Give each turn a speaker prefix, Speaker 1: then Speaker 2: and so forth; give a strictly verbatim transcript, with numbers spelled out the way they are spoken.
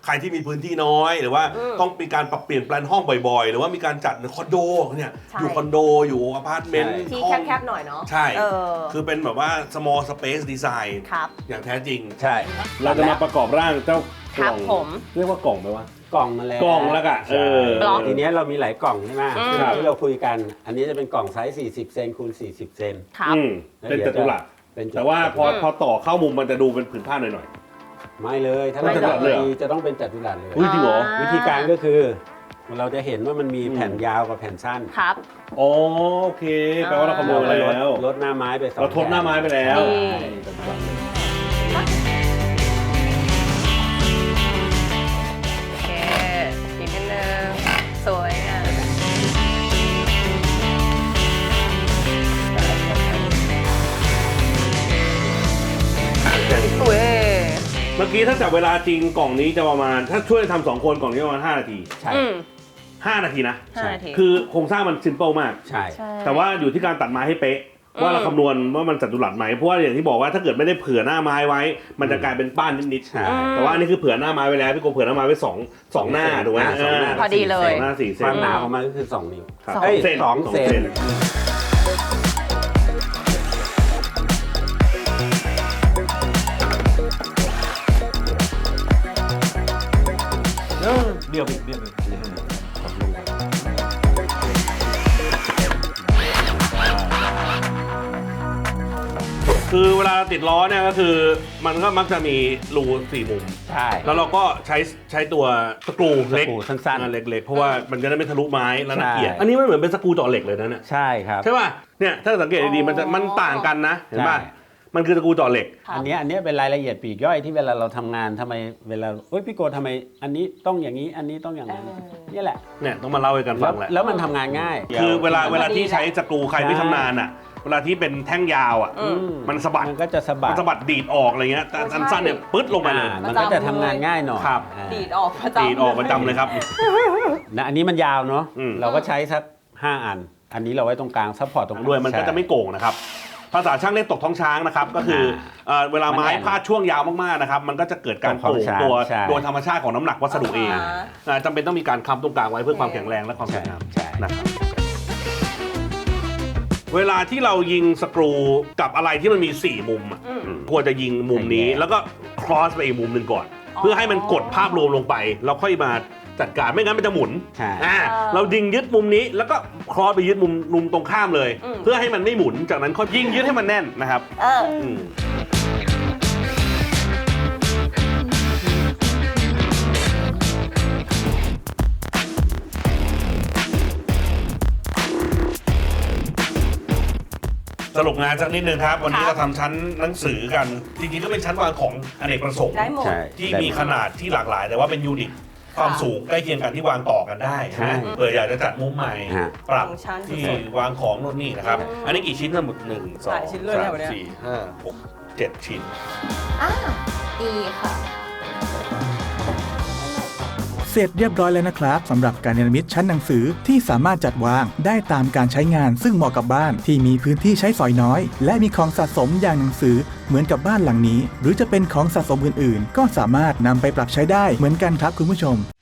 Speaker 1: ใครที่มีพื้นที่น้อยหรือว่าต้องมีการปรับเปลี่ยนแปลนห้องบ่อยๆหรือว่ามีการจัดคอนโดเนี่ยอยู่คอนโดอยู่อพาร์ตเมนต์
Speaker 2: ที่แคบๆหน่อยเนาะ
Speaker 1: ใช่คือเป็นแบบว่า small space design อย่างแท้จริง
Speaker 3: ใช่
Speaker 1: เราจะมาประกอบร่างเจ้ากล่องเรียกว่ากล่องไหมวะ
Speaker 3: กล่องมาแล้ว
Speaker 1: กล่องแล้วกันเออ
Speaker 3: ทีนี้เรามีหลายกล่องใช่ไหมที่เราคุยกันอันนี้จะเป็นกล่องไซส์สี่สิบเซนคูณสี่สิบเซน
Speaker 2: ครับ
Speaker 1: เป็นจัตุรัสแต่ว่าพอพอต่อเข้ามุมมันจะดูเป็นผืนผ้าหน่อย
Speaker 3: ๆไม่เลยถ้าเราจะจะต้องเป็นจัตุรัสเลย
Speaker 1: จริงเหรอ
Speaker 3: วิธีการก็คือเราจะเห็นว่ามันมีแผ่นยาวกับแผ่นสั้น
Speaker 2: ครับ
Speaker 1: โอเคแปลว่าเราคำนวณแล้ว
Speaker 3: ลดหน้าไม้ไปสอง
Speaker 1: เราทดหน้าไม้ไปแล้ว
Speaker 2: สวยอ่ะสวย
Speaker 1: เมื่อกี้ถ้าจับเวลาจริงกล่องนี้จะประมาณถ้าช่วยทำสองคนกล่องนี้ประมาณห้านาที
Speaker 3: ใช่
Speaker 1: ห้านาทีนะ
Speaker 2: ห้านาที
Speaker 1: คือโครงสร้างมันซิมเปิลมาก
Speaker 3: ใช่
Speaker 1: แต่ว่าอยู่ที่การตัดไม้ให้เป๊ะว่าเราคำนวณว่ามันจัตุรัสไหมเพราะว่าอย่างที่บอกว่าถ้าเกิดไม่ได้เผื่อหน้าไม้ไว้มันจะกลายเป็นป้านนิดๆแต่ว่านี่คือเผื่อหน้าไม้ไว้แล้วพี่โกเผื่อหน้าไม้ไว้สองสองหน้าถูกไหม
Speaker 2: พอดีเลย
Speaker 1: หน้าสี่เซน
Speaker 3: ความหนาของมันก็คือสองนิ้ว
Speaker 1: สองเซน
Speaker 3: สองเซน
Speaker 1: เบี้ยวเบี้ยวคือเวลาติดล้อเนี่ยก็คือมันก็มักจะมีรูสี่มุม
Speaker 3: ใช่
Speaker 1: แล้วเราก็ใช้ใช้ตัวสกรูเล็ก
Speaker 3: สั้น
Speaker 1: ๆเล็กๆเพราะว่ามันจะได้ไม่ทะลุไม้แล้วน่าเกลียดอันนี้ไม่เหมือนเป็นสกรูเจาะเหล็กเลยนะเนี่ย
Speaker 3: ใช่ครับ
Speaker 1: ใช่ป่ะเนี่ยถ้าสังเกตดีๆมันจะมันต่างกันนะเห็นป่ะมันคือสกรูเจาะเหล็ก
Speaker 3: อันนี้อันนี้เป็นรายละเอียดปลีกย่อยที่เวลาเราทำงานทำไมเวลาเอ้ยพี่โกทำไมอันนี้ต้องอย่างนี้อันนี้ต้องอย่างนั้นนี่แหละ
Speaker 1: เนี่ยต้องมาเล่าให้กันฟังแหละ
Speaker 3: แล้วมันทำงานง่าย
Speaker 1: คือเวลาเวลาที่ใช้สกรูใครไม่ชำนาญอ่ะเวลาที่เป็นแท่งยาวอ่ะมันสะบัด
Speaker 3: มันก็จะสะบัด
Speaker 1: สะบัดดีดออกอะไรเงี้ยแต่อันสั้นเนี่ยปึ๊ดลงไปเลย
Speaker 3: มันก็จะทำงานง่ายหน่อย
Speaker 1: ครับ
Speaker 2: ดีดออกประจำ
Speaker 1: ดีดออกประจำเลยครับ
Speaker 3: นะอันนี้มันยาวเนาะเราก็ใช้สักห้าอันอันนี้เราไว้ตรงกลางซัพพอร์ตตรง
Speaker 1: ด้วยมันก็จะไม่โก่งนะครับภาษาช่างเรียกตกท้องช้างนะครับก็คือเวลาไม้พาดช่วงยาวมากๆนะครับมันก็จะเกิดการโก่งตัวโดยธรรมชาติของน้ำหนักวัสดุเองจำเป็นต้องมีการค้ำตรงกลางไว้เพื่อความแข็งแรงและความสวยงามนะครับเวลาที่เรายิงสกรูกับอะไรที่มันมีสี่มุมควรจะยิงมุมนี้แล้วก็ครอสไปอีกมุมหนึ่งก่อนเพื่อให้มันกดภาพรวมลงไปแล้วค่อยมาจัดการไม่งั้นมันจะหมุนอ่าเรายิงยึดมุมนี้แล้วก็ครอสไปยึดมุมมุมตรงข้ามเลยเพื่อให้มันไม่หมุนจากนั้นค่อยยิงยึดให้มันแน่นนะครับสรุปงานสักนิดนึงครับวันนี้เราทำชั้นหนังสือกันจริงๆก็เป็นชั้นวางของอเนกประสงค์ที่มีขนาดที่หลากหลายแต่ว่าเป็นยูนิตความสูงใกล้เคียงกันที่วางต่อกันได้นะเผื่ออยากจะจัดมุมใหม่ปรับที่วางของโน่นนี่นะครับอันนี้กี่ชิ้นทั้งหมดหนึ่งสองสามสี่ห้าหกเจ็ดชิ้น
Speaker 2: อ่าดีค่ะ
Speaker 4: เสร็จเรียบร้อยแล้วนะครับสำหรับการเนรมิตชั้นหนังสือที่สามารถจัดวางได้ตามการใช้งานซึ่งเหมาะกับบ้านที่มีพื้นที่ใช้สอยน้อยและมีของสะสมอย่างหนังสือเหมือนกับบ้านหลังนี้หรือจะเป็นของสะสมอื่นๆก็สามารถนำไปปรับใช้ได้เหมือนกันครับคุณผู้ชม